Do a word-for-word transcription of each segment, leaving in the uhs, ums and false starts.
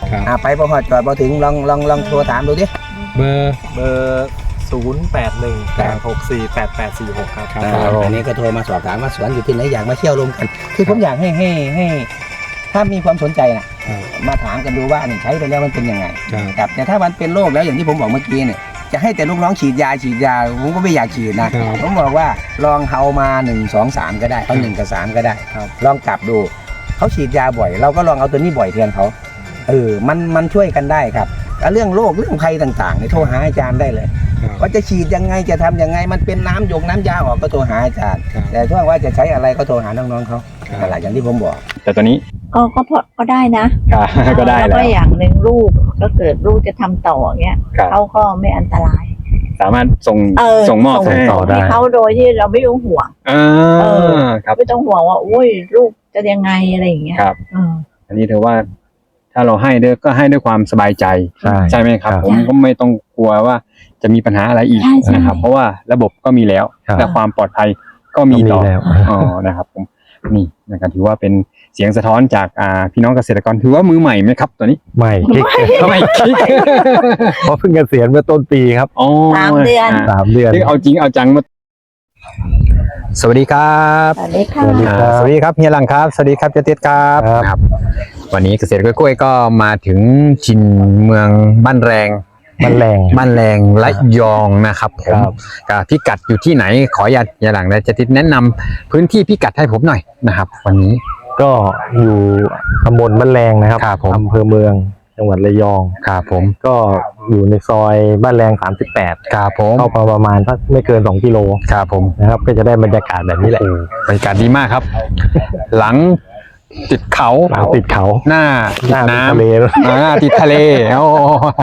อ่าไปพอหอดจอดพอถึงลองลองลองโทรถามดูดิเบอร์เบอร์ศูนย์แปดหนึ่งแปดหกสี่แปดแปดสี่หกครับอ่าอันนี้ก็โทรมาสอบถามว่าสวนอยู่ที่ไหนอยากมาเที่ยวรวมกัน คือผมอยากให้ให้ให้ถ้ามีความสนใจนะมาถามกันดูว่านี่ใช้ไปแล้วมันเป็นยังไงครับแต่ถ้ามันเป็นโรคแล้วอย่างที่ผมบอกเมื่อกี้เนี่ยจะให้แต่ลูกน้องฉีดยาฉีดยาผมก็ไม่อยากฉีดนะผมบอกว่าลองเฮามาหนึ่งสองสามก็ได้เอาหนึ่งกับสามก็ได้ลองกลับดูเขาฉีดยาบ่อยเราก็ลองเอาตัวนี้บ่อยแทนเขาเออมันมันช่วยกันได้ครับเรื่องโรคเรื่องภัยต่างๆเนี่ยโทรหาอาจารย์ได้เลยว่าจะฉีดยังไงจะทำยังไงมันเป็นน้ำหยกน้ำยาออกก็โทรหาอาจารย์แต่ถ้าว่าจะใช้อะไรก็โทรหาน้องๆเขาอะไรอย่างที่ผมบอกแต่ตัวนี้ก็ก็พอก็ได้นะก็ได้แล้วก็อย่างหนึ่งลูกก็เกิดลูกจะทำต่อเงี้ยเขาก็ไม่อันตรายสามารถส่งส่งมอบให้ต่อได้เขาโดยที่เราไม่ต้องห่วงเออครับไม่ต้องห่วงว่าโอ้ยลูกจะยังไงอะไรอย่างเงี้ยครับอันนี้ถือว่าถ้าเราให้ด้วยก็ให้ด้วยความสบายใจใช่ไหมครับผมก็ไม่ต้องกลัวว่าจะมีปัญหาอะไรอีกนะครับเพราะว่าระบบก็มีแล้วและความปลอดภัยก็มีต่ออ๋อนะครับผมนี่นะครับถือว่าเป็นเสียงสะท้อนจากอ่าพี่น้องเกษตรกรถือว่ามือใหม่ไหมครับตัวนี้ใหม่คิกใหม่คิกเพราะเพิ่งเกษียณเมื่อต้นปีครับอ๋อสามเดือนสามเดือนเอาจริงเอาจังมาสวัสดีครับสวัสดีค่ะสวัสดีครับเฮียหลังครับสวัสดีครับเจติดครับครับวันนี้เกษตรกล้วยก็มาถึงชินเมืองบ้านแรงบ้านแรงบ้านแรงระยองนะครับผมกับพิกัดอยู่ที่ไหนขออย่าอย่าหลังนะจะติดแนะนำพื้นที่พิกัดให้ผมหน่อยนะครับวันนี้ก็อยู่ตำบลบ้านแรงนะครับอำเภอเมืองจังหวัดระยองครับผมก็อยู่ในซอยบ้านแรงสามสิบแปดครับผมเข้ามาประมาณสักไม่เกินสองกิโลครับผมนะครับก็จะได้บรรยากาศแบบนี้แหละบรรยากาศดีมากครับหลังติดเขาติดเขาหน้าติดน้ำทะเลหน้าติดทะเลโอ้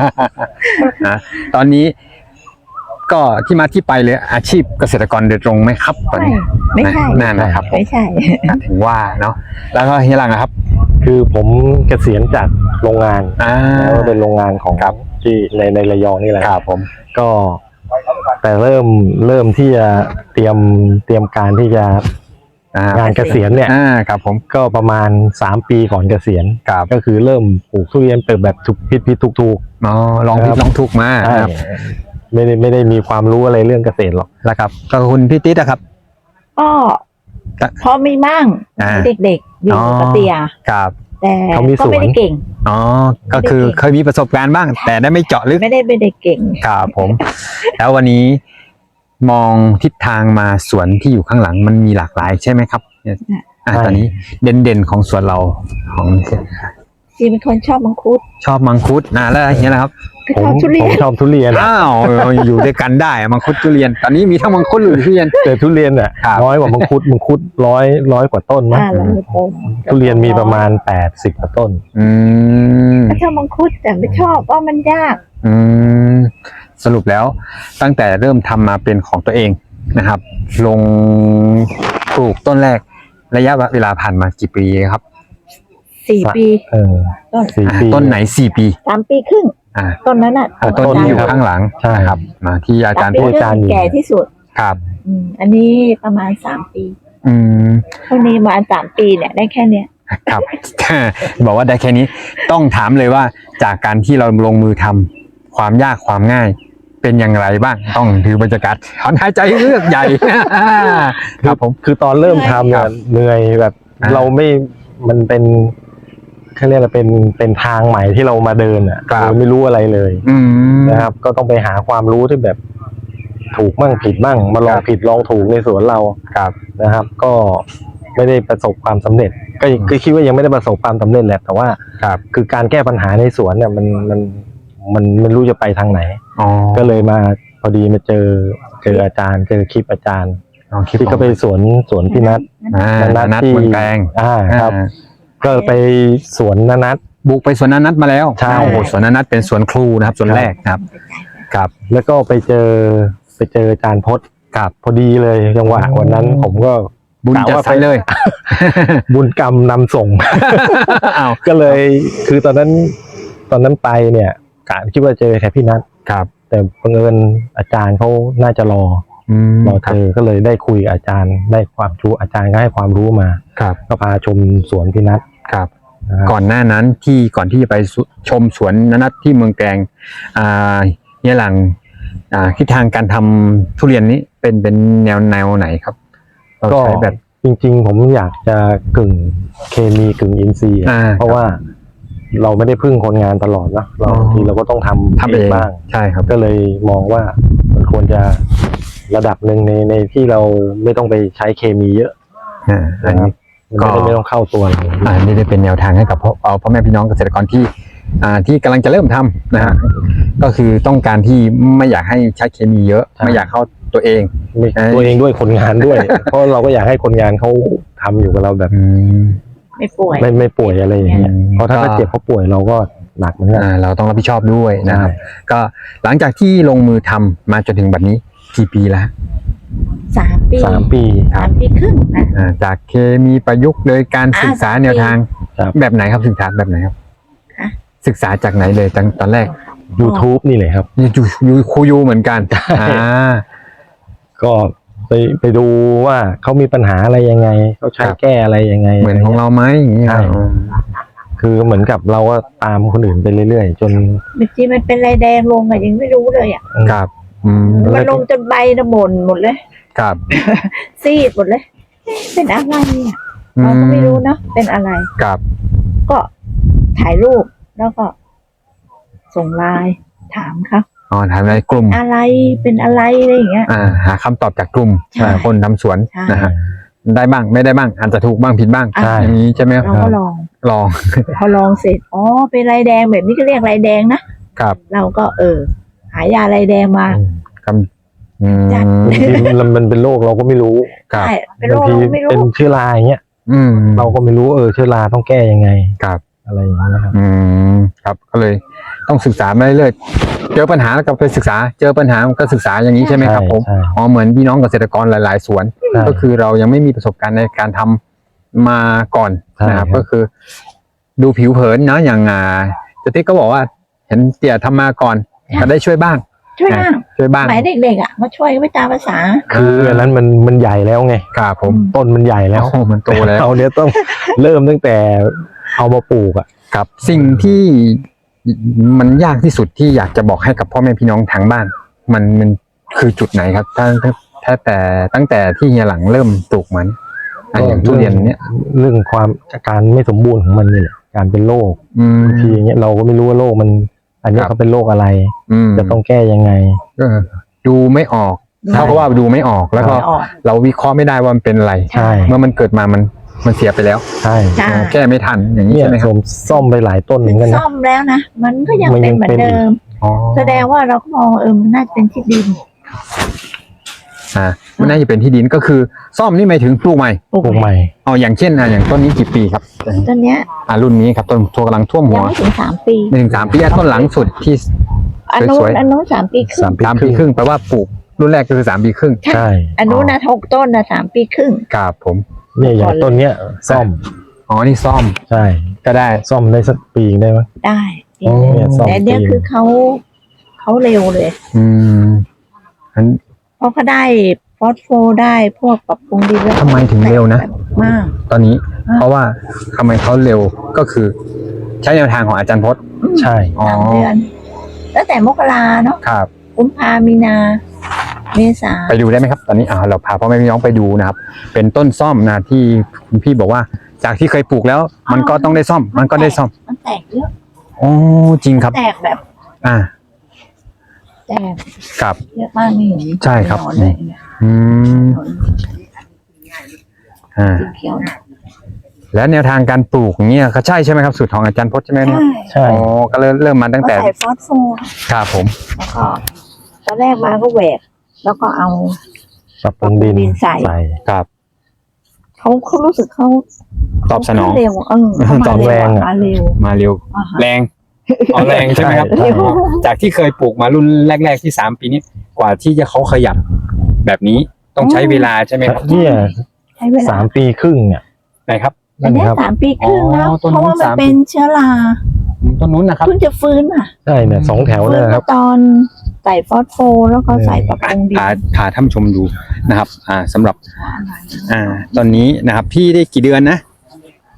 ตอนนี้ก็ที่มาที่ไปเลยอาชีพเกษตรกรโดยตรงไหมครับตอนนี้ไม่ใช่นั่นนะครับไม่ใช่ถึงว่าเนาะแล้วก็เฮียหลังครับคือผมเกษียณจากโรงงานแล้วเป็นโรงงานของที่ในในระยองนี่แหละครับผมก็แต่เริ่มเริ่มที่จะเตรียมเตรียมการที่จะงานเกษียณเนี่ยครับผมก็ประมาณสามปีก่อนเกษียณก็คือเริ่มปลูกทุเรียนเปิดแบบถูกพิษพิษถูกถูกอ๋อลองผิดลองถูกมาครับไม่ได้ไม่ได้มีความรู้อะไรเรื่องเกษตรหรอกนะครับก็คุณพี่ติ๊ดนะครับก็พอมีมั่งเด็กๆอยู่กับเตียครับแต่ก็ไม่ได้เก่งอ๋อก็คือเคยมีประสบการณ์บ้างแต่ได้ไม่เจาะลึกไม่ได้ไม่ได้เก่งครับผมแล้ววันนี้มองทิศทางมาสวนที่อยู่ข้างหลังมันมีหลากหลายใช่ไหมครับอ่าตอนนี้เด่นๆของสวนเราของจีเป็นคนชอบมังคุดชอบมังคุดนะแล้วอย่างนี้นะครับผมผมชอบทุเรียนอ้าวอยู่ด้วยกันได้มังคุดทุเรียนตอนนี้มีทั้งมังคุดหรือทุเรียนแต่ทุเรียนอ่ะน้อยกว่ามังคุดมังคุดร้อยร้อยกว่าต้นมั้งทุเรียนมีประมาณแปดสิบกว่าต้นอืมชอบมังคุดแต่ไม่ชอบว่ามันยากอืมสรุปแล้วตั้งแต่เริ่มทำมาเป็นของตัวเองนะครับลงปลูกต้นแรกระยะเวลาผ่านมากี่ปีครับสี่ปีเออต้นสี่ปีต้นไหนสี่ปีสามปีครึ่งต้นนั้นอ่ะต้นที่อยู่ข้างหลังใช่ครับมาที่อาจารย์พูดอาจารย์แก่ที่สุดครับอันนี้ประมาณสามปีอืมเท่านี้มาสามปีเนี่ยได้แค่เนี้ยครับบอกว่าได้แค่นี้ต้องถามเลยว่าจากการที่เราลงมือทำความยากความง่ายเป็นอย่างไรบ้างต้องถือบรรยากาศถอนหายใจเลือกใหญ่ครับผมคือตอนเริ่มทำเนี่ยเหนื่อยแบบเราไม่มันเป็นเขาเรียกว่าเป็นเป็นทางใหม่ที่เรามาเดินอ่ะเราไม่รู้อะไรเลยนะครับก็ต้องไปหาความรู้ที่แบบถูกมั่งผิดมั่งมาลองผิดลองถูกในสวนเราครับนะครับก็ไม่ได้ประสบความสำเร็จก็คือคิดว่ายังไม่ได้ประสบความสำเร็จแหละแต่ว่าคือการแก้ปัญหาในสวนเนี่ยมันมันมันไม่รู้จะไปทางไหนก็เลยมาพอดีมาเจอเจออาจารย์เจอคลิปอาจารย์ที่ก็ไปสวนสวนพี่นัทนัทที่เมืองแกงอ่าครับก็ไปสวนนัทบุกไปสวนนัทมาแล้วใช่โอ้โหสวนนัทเป็นสวนครูนะครับสวนแรกครับครับแล้วก็ไปเจอไปเจออาจารย์พจน์ครับพอดีเลยจังหวะวันนั้นผมก็บุญจัดไปเลยบุญกรรมนำส่งก็เลยคือตอนนั้นตอนนั้นไปเนี่ยกะคิดว่าเจอแค่พี่นัทครับแต่บังเอิญอาจารย์เขาน่าจะรอรอเจอก็เลยได้คุยอาจารย์ได้ความรู้อาจารย์ก็ให้ความรู้มาครับก็พาชมสวนพี่นัทครับก่อนหน้านั้นที่ก่อนที่จะไปชมสวนนัทที่เมืองแกลงอ่าเนี่ยหลังอ่าทิศทางการทำทุเรียนนี้เป็นเป็นแนวแนวไหนครับเราก็ใช้แบบจริงๆ ผมอยากจะกึ่งเคมีกึ่งอินทรีย์อ่าเพราะว่าเราไม่ได้พึ่งคนงานตลอดนะเราอ๋อบางทีเราก็ต้องทำทำเองบ้างใช่ครับก็เลยมองว่ามันควรจะระดับหนึ่งในในที่เราไม่ต้องไปใช้เคมีเยอะอ่าอันนี้มันก็ไม่ได้ไม่ต้องเข้าตัวเราอ่านี่ได้เป็นแนวทางให้กับพ่อเอาพ่อแม่พี่น้องเกษตรกรที่อ่าที่กำลังจะเริ่มทำนะฮะก็คือต้องการที่ไม่อยากให้ใช้เคมีเยอะ ไม่อยากเข้าตัวเองไม่ตัวเองด้วยคนงานด้วย เพราะเราก็อยากให้คนงานเขาทำอยู่กับเราแบบอืมไม่ป่วยไม่ไม่ป่วยอะไรอย่างเงี้ยอืมเพราะถ้าเขาเจ็บเขาป่วยเราก็หนักเหมือนกันอ่าเราต้องรับผิดชอบด้วยนะครับใช่ก็หลังจากที่ลงมือทำมาจนถึงบัดนี้กี่ปีแล้วสามปีสามปีสามปีครึ่งนะอ่าจากเคมีประยุกต์โดยการอ่าศึกษาสามปีแนวทางครับแบบไหนครับศึกษาแบบไหนครับฮะศึกษาจากไหนเลยตอนตอนแรก YouTube นี่เลยครับยูยูครูยูเหมือนกันอ่าก็ไปไปดูว่าเขามีปัญหาอะไรยังไงเขาใช้ครับแก้อะไรยังไงเหมือนของเราไหมอย่างเงี้ยใช่ คือเหมือนกับเราก็ตามคนอื่นไปเรื่อยๆ จนบางทีมันเป็นลายแดงลงอะยังไม่รู้เลยอ่ะครับอืมมันลงจนใบนะหม่นหมดเลยครับซีดหมดเลยเอ๊ะเป็นอะไรเนี่ยเราก็ไม่รู้เนาะเป็นอะไรครับก็ถ่ายรูปแล้วก็ ส่งไลน์ถามเขาอ๋อถามในกลุ่มอะไรเป็นอะไรอะไรอย่างเงี้ยอ่าหาคำตอบจากกลุ่มใช่คนทำสวนใช่นะฮะได้บ้างไม่ได้บ้างอาจจะถูกบ้างผิดบ้างใช่อย่างนี้ใช่ไหมเราก็ลองลองพอลองเสร็จอ๋อเป็นลายแดงแบบนี้ก็เรียกลายแดงนะครับ เราก็เออ หายาลายแดงมาคำอืมจัดบางทีมันมันเป็นโรคเราก็ไม่รู้ครับใช่เป็นโรบางคทีเราไม่รู้เป็นเชื้อราอย่างเงี้ยอืมเราก็ไม่รู้เออเชื้อราต้องแก้ยังไงครับอะไรอย่างเงี้ยครับอืมครับก็เลยต้องศึกษามาเรื่อยๆเจอปัญหาแล้วก็ไปศึกษา เจอปัญหาก็ศึกษาอย่างนี้ใช่ไหมครับผมใช่อ๋อเหมือนพี่น้องเกษตรกรหลาย ๆ สวนใช่ก็คือเรายังไม่มีประสบการณ์ในการทำมาก่อนใช่นะครับครับก็คือ ดูผิวเผินเนาะอย่างอ่าเจติ๊กก็บอกว่า เห็นเตี่ยทำมาก่อนก็ได้ช่วยบ้างช่วยบ้างช่วยบ้างสมัยเด็กๆอ่ะมาช่วยก็ไม่ตามภาษาคืออันนั้นมันมันใหญ่แล้วไงครับผมต้นมันใหญ่แล้วโอ้มันโตแล้วเราเนี่ยต้อง เริ่มตั้งแต่เอามาปลูกอ่ะครับสิ่งที่มันยากที่สุดที่อยากจะบอกให้กับพ่อแม่พี่น้องทางบ้าน มันมันคือจุดไหนครับถ้าถ้าถ้าแต่ตั้งแต่ที่เฮียหลังเริ่มปลูกมันอ่ะอย่างทุเรียนเนี้ยเรื่องความการไม่สมบูรณ์ของมันนี่แหละการเป็นโรคอืมบางทีอย่างเงี้ยเราก็ไม่รู้ว่าโรคมัน อันเนี้ยครับเขาเป็นโรคอะไรอืมจะต้องแก้ยังไงเออดูไม่ออกใช่เท่ากับว่าดูไม่ออกแล้วก็ไม่ออกเราวิเคราะห์ไม่ได้ว่ามันเป็นอะไรใช่เมื่อมันเกิดมามันมันเสียไปแล้วใช่ใช่แก้ไม่ทันอย่างนี้เนี่ยใช่ไหมคผรับมซ่อมไปหลายต้นเหมือนกันนะซ่อมแล้วนะมันก็ยังมันเป็ยันงเหมือนเป็นเดิมอ๋อแสดงว่าเราก็มองเออมันน่าจะเป็นที่ดินอ่ามันน่าจะเป็นที่ดินก็คือซ่อมนี่หมายถึงปลูกใหม่ปลูกปลูกใหใหม่ม่เอาอย่างเช่นอ่ะอย่างต้นนี้กี่ปีครับต้นเนี้ยอ่ารุ่นนี้ครับต้นทัวกำลังท่วมหัยังวไม่ถึงสามปีไม่ถึงสามปีอ่ะต้นหลังสุดที่อันนู้สนวยๆอันนู้นสามปีครึ่งสามสามปีครึ่งแปลว่าปลูกรุ่นแรกก็คือสามปีครึ่งใช่อันนู้นนะหกต้นนะสามปีครึ่งครับผมเนี่ยอย่างต้นเนี้ยซ่อมอ๋อนี่ซ่อมใช่ก็ได้ซ่อมได้สักปีได้ไหมได้อ๋อเนี่ยซ่อมแต่อันเนี้ยปีคือเขาเขาเร็วเลยอืมอันเพราะเขาได้ฟอสโฟได้พวกปรับปรุงดินแล้วทำไมถึงเร็วนะมากตอนนี้อ่าเพราะว่าทำไมเขาเร็วก็คือ ใช้แนวทางของอาจารย์พจน์ใช่อ๋อสามเดือนตั้งแต่มกราเนาะครับกุมภามีนา เมษาไปดูได้ไหมครับ ตอนนี้อ่าเราพาพ่อแม่พี่น้องไปดูนะครับ เป็นต้นซ่อมนะที่คุณพี่บอกว่า จากที่เคยปลูกแล้ว มันก็ต้องได้ซ่อม มันก็ได้ซ่อมมันแตกเยอะโอ้จริงครับแตกแบบอ่าแตกครับเยอะมากนี่เห็นใช่ครับหนอนเลยเนี่ยอืมหนอนอ่าสีเขียวเนี่ยและแนวทางการปลูกเนี่ยก็ใช่ใช่ไหมครับสูตรของอาจารย์พจน์ใช่ไหมเนี่ยใช่อ๋อก็เริ่มเริ่มมาตั้งก็แต่ใส่ฟอสโฟครับผมแล้วก็ตอนแรกมาก็แหวก แล้วก็เอาปรับปรุงดินดินใส่ครับเขาเขารู้สึกเขาตอบสนองเขาเร็วเออเขาตมาอบเร็แรวงอะอะมาเร็วมาเร็วอ่าฮะแรงอ๋อแรงใช่ไหมครับใช่จากที่เคยปลูกมารุ่นแรก ๆที่สามปีนี้กว่าที่จะเขาขยับแบบนี้ต้องใช้เวลาใช่ไหมครับเนี่ยใช้เวลาสามปีครึ่งเนี่ยไหนครับอันเนี้ยครับสามปีครึ่งแล้วอ๋อต้นเพราะนู้นว่ามันสามปีเป็นเชื้อราต้นนู้นนะครับเพิ่งจะฟื้นอ่ะใช่เนี่ยสองแถวฟื้เนี่ยนนะครับตอนใส่ฟอสโฟแล้วก็ใส่ปรับปรุงดินพาพาท่านผู้ชมดูนะครับ อ่าสำหรับ อ่า ตอนนี้นะครับ พี่ได้กี่เดือนนะ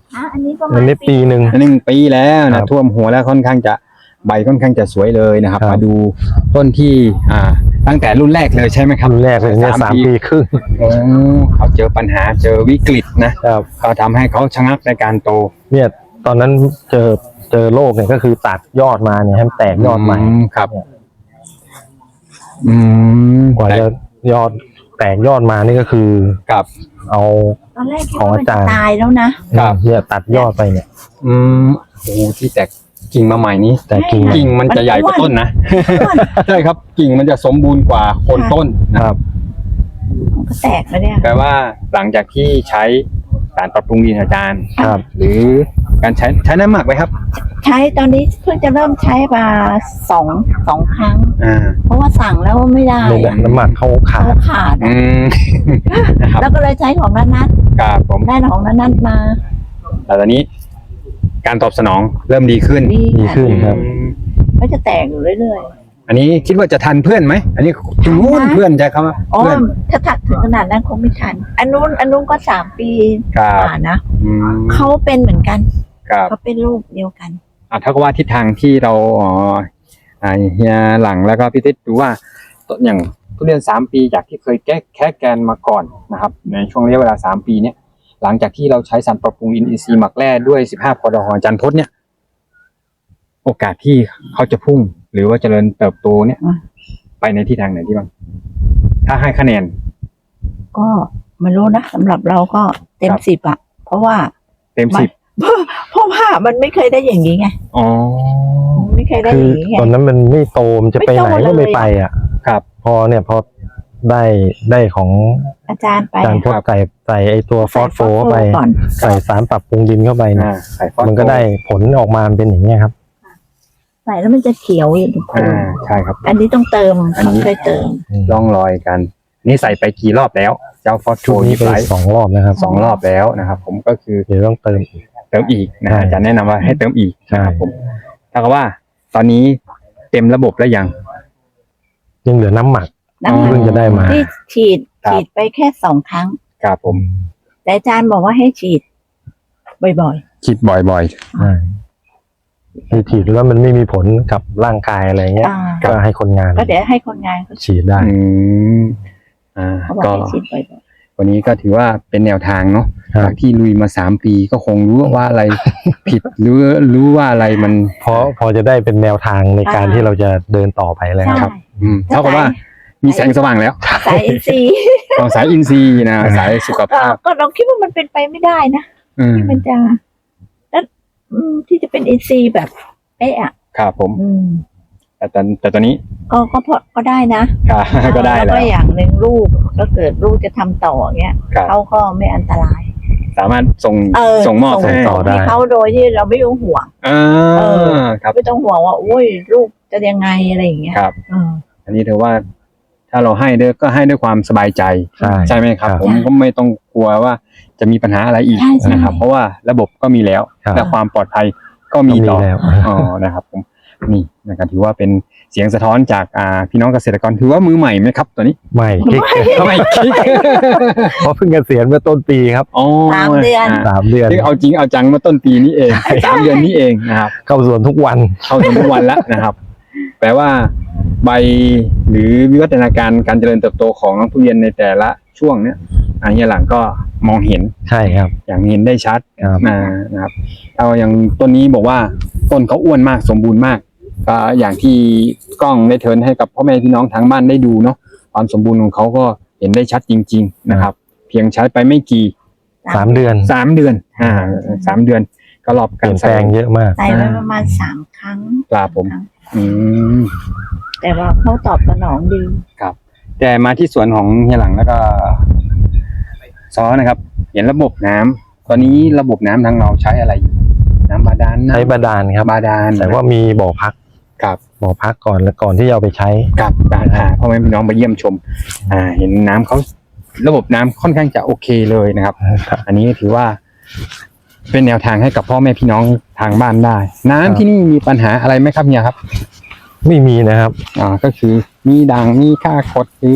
อ่ะอันนี้ประมาอัณนนี้ปีหนึ่งหนึ่งปีแล้วครันะบท่วมหัวแล้วค่อนข้างจะใบค่อนข้างจะสวยเลยนะครับครับมาดูต้นที่อ่าตั้งแต่รุ่นแรกเลยใช่ไหมครับรุ่นแรกเลยเนี่ยสามปีครึ่งโอ้เขาเจอปัญหาเจอวิกฤตนะครับ เขาทำให้เขาชะงักในการโตเนี่ยตอนนั้นเจอเจอโรคเนี่ยก็คือตัดยอดมาเนี่ยให้มันแตกยอดใหม่มครับ อืมกว่าจะยอดแตกยอดมานี่ก็คือครับเอาตอนแรกคิดของว่าอามันจารย์จะตายแล้วนะครับเนี่ยตัดยอดไปเนี่ยอืมโอ้ที่แตกกิ่งมาใหม่นี้แต่กิ่งกิ่งมันจะใหญ่กว่าต้นนะ ใช่ครับกิ่งมันจะสมบูรณ์กว่าโคนต้นนะคครัรับบมันก็แตกแล้วเนี่ยแปลว่าหลังจากที่ใช้สารปรับปรุงดินอาจารย์ครับหรือการใช้ใช้น้ำหมักไหมครับใช้ตอนนี้เพิ่งจะเริ่มใช้มาสองสองครั้งอ่าเพราะว่าสั่งแล้วไม่ได้ในแบบน้ำหมักเขาขาเขาดขาดอือะม นะครับแล้วก็เลยใช้ของนัทนัทครับผมได้ของนัทนัทมาแต่ตอนนี้การตอบสนองเริ่มดีขึ้นดีดีขึ้นครับอืมก็จะแตกอยู่เรื่อยอันนี้คิดว่าจะทันเพื่อนไหมอันนี้ถึงนู้นเพื่อนใช่ครับๆอ๋อเพื่อนถ้าถักถึงขนาดนั้นคงไม่ทัน อันนู้นอันนู้นก็สามปีครับกว่านะอืมเขาเป็นเหมือนกันครับเขาเป็นลูกเดียวกันอ่ะถ้าก็ว่าทิศทางที่เราอ๋ออ่าเฮียหลังแล้วก็พี่ติ๊ดดูว่าต้นอย่างทุเรียนสามปีจากที่เคยแก้แค่แกนมาก่อนนะครับ ในช่วงระยะเวลาสามปีเนี้ยหลังจากที่เราใช้สารปรับปรุงอินทรีย์หมักแร่ด้วยสิบห้าพอดอของอาจารย์พจน์เนี่ย โอกาสที่เขาจะพุ่ง หรือว่าเจริญเติบโตเนี่ยอืมไปในทิศทางไหนที่บ้างถ้าให้คะแนนก็ไม่รู้นะสำหรับเราก็เต็มครับสิบอะเพราะว่าเต็มสิบเพราะว่ามันไม่เคยได้อย่างนี้ไงอ๋อไม่เคยได้คืออย่างนี้ไงตอนนั้นมันไม่โตมันจะไปไหนก็ไม่ไปอ่ะครับพอเนี่ยพอได้ได้ของอาจารย์ไปการพดไก่ใส่ไอตัวฟอสโฟเข้าไปก่อนใส่สารปรับปรุงดินเข้าไปเนี่ยอ่าใส่ฟอสโฟมันก็ได้ผลออกมาเป็นอย่างนี้ยครับใส่แล้วมันจะเขียวอย่างทุกคนอ่าใช่ครับอันนี้ต้องเติมอันนี้ต้องเคยเติมร่องรอยกัน นี่ใส่ไปกี่รอบแล้ว เจ้าฟอสโฟชุดนี้นี่ไปไปสองรอบนะครับสองรอบแล้วนะครับ ผมก็คือเดี๋ยวต้องเติมอีกเติมอีกนะใช่อาจารย์แนะนำว่าให้เติมอีกใช่นะครับผมถ้ากับว่า ตอนนี้เต็มระบบแล้วยังยังเหลือน้ำหมักน้ำมันเพิ่งจะได้มาที่ฉีดครับฉีดไปแค่สองครั้งครับผมแต่อาจารย์บอกว่าให้ฉีด บ่อยคิดบ่อยใช่ที่ฉีดแล้วมันไม่มีผลกับร่างกายอะไรๆเงี้ยอ่าก็ให้คนงานก็เดี๋ยวให้คนงานเขาฉีดได้ๆอืมอ่าเขาบอกก็ให้ฉีดบ่อยวันนี้ก็ถือว่าเป็นแนวทางเนาะครับจากที่ลุยมาสามปีก็คงรู้ว่าอะไร ผิดหรือรู้ว่าอะไรมันเพราะพอจะได้เป็นแนวทางในการที่เราจะเดินต่อไปแล้วๆใช่ครับอืมเท่ากับว่ามีแสงสว่างแล้วสายอินทรีย์ของสายอินทรีย์นะสายสุขก็ภาพก็เราคิดว่ามันเป็นไปไม่ได้นะอืมที่มันจะแล้วอืมที่จะเป็นอินทรีย์แบบเอ๊ะอะครับผมอืมแต่ตอนแต่ตอนนี้ก็ก็พอก็ได้นะครับก็ได้แล้วแล้วก็อย่างหนึ่งลูกก็เกิดลูกจะทำต่อเงี้ยครับเขาก็ไม่อันตรายสามารถส่งเออส่งมอบส่งให้ต่อได้ให้เขาโดยที่เราไม่ต้องห่วงอ่าเออครับไม่ต้องห่วงว่าโอ้ยลูกจะยังไงอะไรอย่างเงี้ยครับเอออันนี้ถือว่า ถ้าเราให้ด้วยก็ให้ด้วยความสบายใจใช่ใช่ไหมครับครับผมก็ไม่ต้องกลัวว่าจะมีปัญหาอะไรอีกใช่ใช่นะครับ เพราะว่าระบบก็มีแล้วครับและความปลอดภัยก็มีต่อก็มีแล้วอ๋อนะครับ ผมนี่นะครับถือว่าเป็นเสียงสะท้อนจากอ่าพี่น้องเกษตรกรถือว่ามือใหม่ไหมครับตัวนี้ไม่คลิกไม่คิดเพราะเพิ่งเกษียณเมื่อต้นปีครับอ๋อสามเดือนสามเดือนที่เอาจริงเอาจังเมื่อต้นปีนี้เองสามเดือนนี้เองนะครับเข้าสวนทุกวันเข้าถึงทุกวันแล้วนะครับ แปลว่าใบหรือวิวัฒนาการการเจริญเติบโตของน้องทุเรียนในแต่ละช่วงเนี้ยอันนี้หลังก็มองเห็นใช่ครับอย่างเห็นได้ชัดครับนะนะครับเอาอย่างต้นนี้บอกว่าต้นเขาอ้วนมากสมบูรณ์มากก็อย่างที่กล้องได้เทิร์นให้กับพ่อแม่พี่น้องทางบ้านได้ดูเนาะความสมบูรณ์ของเขาก็เห็นได้ชัดจริง ๆ นะครับ เพียงใช้ไปไม่กี่สามเดือนสามเดือนอ่าสามเดือนก็รอบเปกาลี่รยนแปใส่ลงเยอะมากใส่ไว้ประมาณสามครั้งปลาผมครั้งอืมแต่ว่าเขาตอบสนองดีแต่มาที่สวนของเฮียหลังแล้วก็ซอนะครับ เห็นระบบน้ำตอนนี้ระบบน้ำทางเราใช้อะไรอยู่น้ำบาดาลน้ำใช้บาดาลครับบาดาลแต่ว่ามีบ่อพักครับบ่อพักก่อนแล้วก่อนที่จะเอาไปใช้กับการอ่าพ่อแม่พี่น้องไปเยี่ยมชม อ่า เห็นน้ำเขาระบบน้ำค่อนข้างจะโอเคเลยนะครับ อันนี้ถือว่า เป็นแนวทางให้กับพ่อแม่พี่น้องทางบ้านได้ น้ำที่นี่มีปัญหาอะไรไหมครับเฮียครับไม่มีนะครับอ่าก็คือมีด่างมีค่าคดหรือ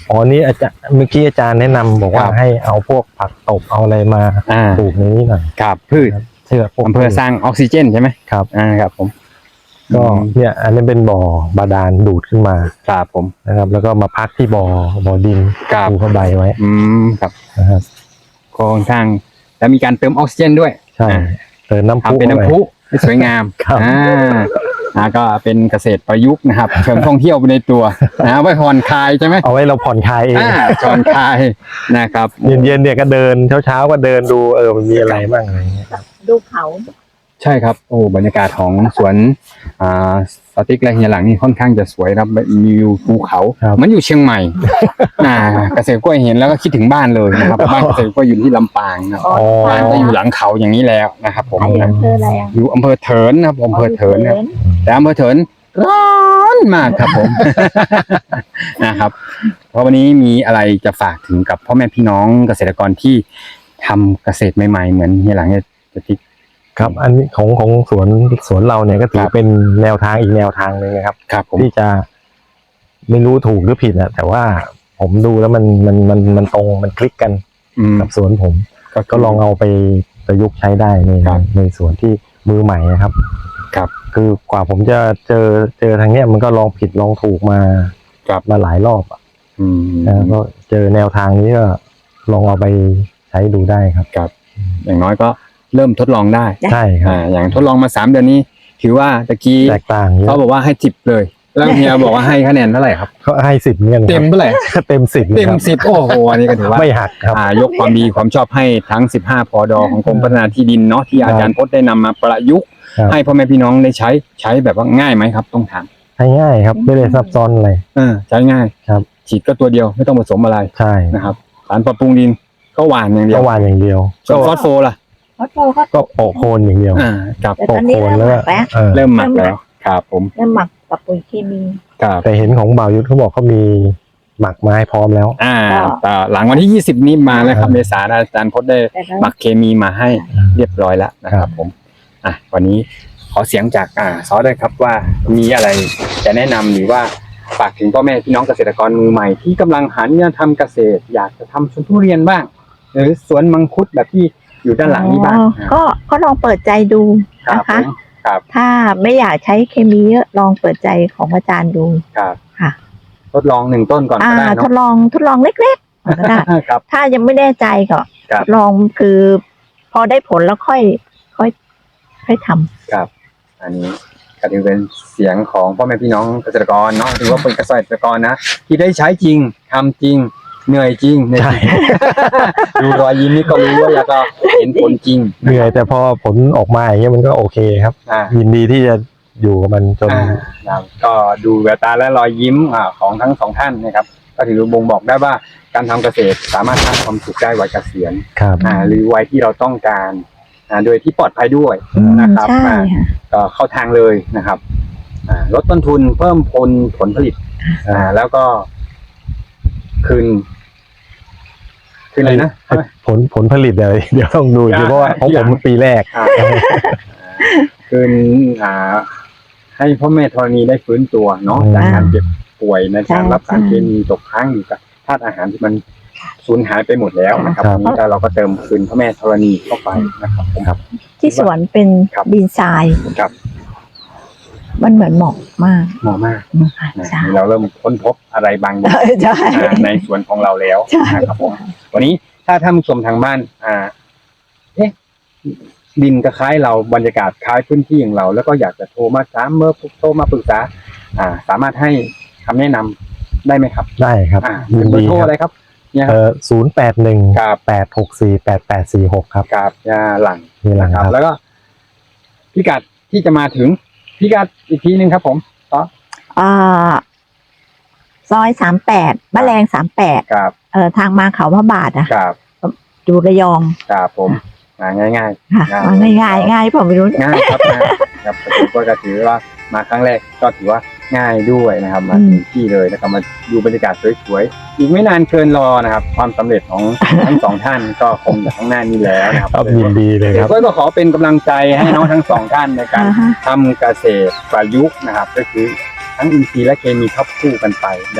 อ๋อนี่อาจารย์เมื่อกี้อาจารย์แนะนำบอกว่าครับให้เอาพวกผักตบเอาอะไรมาอ่าปลูกในนี้หน่อยครับพืชเชื่อพวกอำเภอสร้างออกซิเจนใช่ไหมครับอ่าครับผมก็เนี่ยอันนี้เป็นบ่อบาดาลดูดขึ้นมาครับผมนะครับ แล้วก็มาพักที่บ่อบ่อดินครับปูผ้าใบไว้อืมครับนะครับก็ค่อนข้างแล้วมีการเติมออกซิเจนด้วยใช่อ่าเติมน้ำพุทำเป็นน้ำพุให้สวยงามครับอ่าอ่าก็เป็นเกษตรประยุกต์นะครับเชิงท่องเที่ยวไปในตัวนะไว้ผ่อนคลายใช่ไหมเอาไว้เราผ่อนคลายเองอ่าผ่อนคลายนะครับเย็นๆเนี่ยก็เดินเช้าๆก็เดินดูเออมันมีอะไรบ้างอะไรเงี้ยดูเขาใช่ครับโอ้บรรยากาศของสวนอ่าสติ๊กและเฮียหลังนี่ค่อนข้างจะสวยครับมีวิวภูเขาเหมันอยู่เชียงใหม่ อ่าเกษตรกล้วยเห็นแล้วก็คิดถึงบ้านเลยนะครับบ้านเกษตรกล้วยอยู่ที่ลำปางนะอ๋อบ้านก็อยู่หลังเขาอย่างนี้แล้วนะครับผมไอ้อำเภออะไรอ่ะอยู่อำเภอเถินนะครับอำเภอเถินนะครับแต่อำเภอเถินร้อนมากครับผม นะครับ เพราะวันนี้มีอะไรจะฝากถึงกับพ่อแม่พี่น้องเกษตรกรที่ทำเกษตรใหม่ๆเหมือนเฮียหลังเนี่ยจะทิกครับ อันนี้ของของสวนสวนเราเนี่ยก็ถือครับเป็นแนวทางอีกแนวทางหนึ่งนะครับครับผมที่จะไม่รู้ถูกหรือผิดอะแต่ว่าผมดูแล้วมันมันมันมันตรงมันคลิกกันอืมกับสวนผมก็ก็ลองเอาไปประยุกต์ใช้ได้ในครับในสวนที่มือใหม่นะครับครับคือกว่าผมจะเจอเจอทางเนี้ยมันก็ลองผิดลองถูกมาครับมาหลายรอบอะอืมนะก็เจอแนวทางนี้ก็ลองเอาไปใช้ดูได้ครับครับอย่างน้อยก็เริ่มทดลองได้ใช่ครับอ่าอย่างทดลองมาสามเดือนนี้ ถือว่าตะกี้แตกต่างเยเขาอะบอกว่าให้จิบเลย แล้วเฮียบอกว่าให้คะแนนเท่าไหร่ครับก็ให้สิบเหมือนกันครับเต็มเท่าไหร่เต็มสิบเต็มครับสิบโอ้โหอันนี้ก็ถือว่าไม่หักครับอ่ายกความดีความชอบให้ทั้งสิบห้าพอดอของกรมพัฒนาที่ดินเนาะที่อาจารย์พจน์ได้นำมาประยุกต์ครับให้พ่อแม่พี่น้องได้ใช้ใช้แบบว่าง่ายไหมครับต้องถามใช้ง่ายครับ ไม่ได้ซับซ้อนอะไรเออใช้ง่ายครับฉีดก็ตัวเดียวไม่ต้องผสมอะไรใช่นะครับสารปรับปรุงดินก็หว่านอย่างเดียก็วหวานอย่างเดียวส่วนฟอสโฟล่ะเขาโตเขาก็โปะโคนอย่างเดียวอ่าครับแต่โปะตอนนี้โคนเริ่มแล้วหมักแล้วเออเริ่มหมักแล้วครับผมเริ่มหมักกับปุ๋ยเคมีครับแต่เห็นของบ่าวยุทธเขาบอกเขามีหมักไม้พร้อมแล้วอ่าก็แต่หลังวันที่ยี่สิบนี้มาแล้วครับอ่าเมษายนอาจารย์พจน์ได้แต่ก็หมักเคมีมาให้เรียบร้อยแล้วนะครับผมอ่ะวันนี้ขอเสียงจากอ่าซอสด้วยครับว่ามีอะไรจะแนะนำหรือว่าฝากถึงพ่อแม่พี่น้องเกษตรกรมือใหม่ที่กำลังหันมาทำเกษตร อยากจะทำสวนทุเรียนบ้าง หรือสวนมังคุดแบบที่อยู่ด้านหลังนี้บ้างอ๋อก็ก็ลองเปิดใจดูครับนะผคะมครับถ้าไม่อยากใช้เคมีเยอะลองเปิดใจของอาจารย์ดูครับค่ะทดลองหนึ่งต้นก่อนอ่าก็ได้ทเนาะดลองทดลองเล็กๆก่อนก็ได้ครับถ้ายังไม่แน่ใจก็ครับทดลองคือ พอได้ผลแล้วค่อย ค่อยค่อยทำครับ อันนี้ก็ถือเป็นเสียงของพ่อแม่พี่น้องเกษตรกรเนาะถือว่าเป็นเกษตรกรนะที่ได้ใช้จริงทำจริงเหนื่อยจริงเหนื่อยจริง ดูรอยยิ้มนี่ก็รู้ว่าแล้วก็เห็นผลจริงเหนื่อยแต่พอผลออกมาอย่างเงี้ยมันก็โอเคครับอ่ายินดีที่จะอยู่กับมันจนอ่าครับก็ดูแววตาและรอยยิ้มอ่าของทั้งสองท่านนะครับ ก็ถือบ่งบอกได้ว่าการทำเกษตรสามารถสร้างความสุขได้วัยเกษียณครับอ่าหรือวัยที่เราต้องการอ่าโดยที่ปลอดภัยด้วยอืมนะครับใช่อ่าค่ะก็เข้าทางเลยนะครับอ่าลดต้นทุนเพิ่มผลผลผลิตอ่าแล้วก็คืนคืนอะไรนะผลผลผลิตเดี๋ยวเดี๋ยวต้องดูอีกทีเพราะว่าของผมมันปีแรกอ่าคืนอ่าให้พ่อแม่ธรณีได้ฟื้นตัวเนาะอืมจากการเจ็บป่วยในการใช่รับสารใช่เคมีตกค้างอยู่กับธาตุอาหารที่มันสูญหายไปหมดแล้วนะครับครับวันนี้ก็เราก็เติมคืนพ่อแม่ธรณีเข้าไปนะครับผมครับที่สวนเป็นครับดินทรายครับมันเหมือนหมอกมากเหมาะมากนะคะนะใช่เราเริ่มค้นพบอะไรบางอย่างใช่อ่าในสวนของเราแล้วใช่นะครับผมวันนี้ถ้าท่านผู้ชมทางบ้าน อ่า เอ๊ะดินก็คล้ายเราบรรยากาศคล้ายพื้นที่อย่างเรา แล้วก็อยากจะโทรมาถามเมื่อโทรมาปรึกษา อ่า สามารถให้คำแนะนำได้ไหมครับได้ครับอ่ายินเบอดีร์โทรคอะไรรับครับ เนี่ยคเอรับอศูนย์แปดหนึ่งครับแปดหกสี่แปดแปดสี่หกครับกับยาหลังนี่แหละนะคครัรับบแล้วก็พิกัดที่จะมาถึงพิกัดอีกทีหนึ่งครับผมต่ออ่าซอยสามแปดบ้านแรงสามแปดครับเอ่อทางมาเขาพระบาทอะครับอยู่ระยองครับผมอ่าง่ายๆค่ะง่ายง่ายง่ายง่ายผมไม่รู้ง่ายครับง่ายครับผมก็จะถือว่ามาครั้งแรกก็ถือว่าง่ายด้วยนะครับมาถึงที่เลยนะครับมาดูบรรยากาศสวยๆอีกไม่นานเกินรอนะครับ ความสำเร็จของ ทั้งสองท่านก็คงอยู่ข้างหน้านี้แล้วนะครับครับยินดีเลยครับก็ขอเป็นกำลังใจให้น้องทั้งสองท่านในการอ่าฮะทำเกษตรประยุกต์นะครับ ก็คือทั้งอินทรีย์และเคมีควบคู่กันไปอย่าง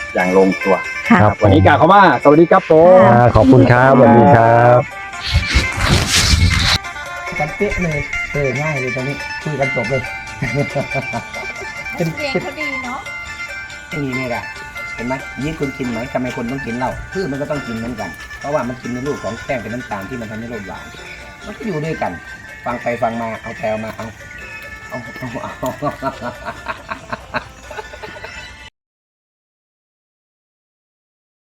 อย่างลงตัวค่ะครับวันนี้กล่าวคำว่าสวัสดีครับผมอ่าขอบคุณครับสวัสดีครับกันเป๊ะเลยเออง่ายเลยตอนนี้คุยกันจบเลย เป็นเสียงเป็นเขาดีเนาะไม่มีเนี่ยอะเห็นไหมยิ่งคุณกินไหมทำไมคนต้องกินเหล้าพืชมันก็ต้องกินเหมือนกัน เพราะว่ามันกินในรูปของแป้งเป็นน้ำตาลที่มันทำให้โรคหวานมันก็อยู่ด้วยกัน ฟังไปฟังมาเอาแปลมาเอาเอาเอาเอา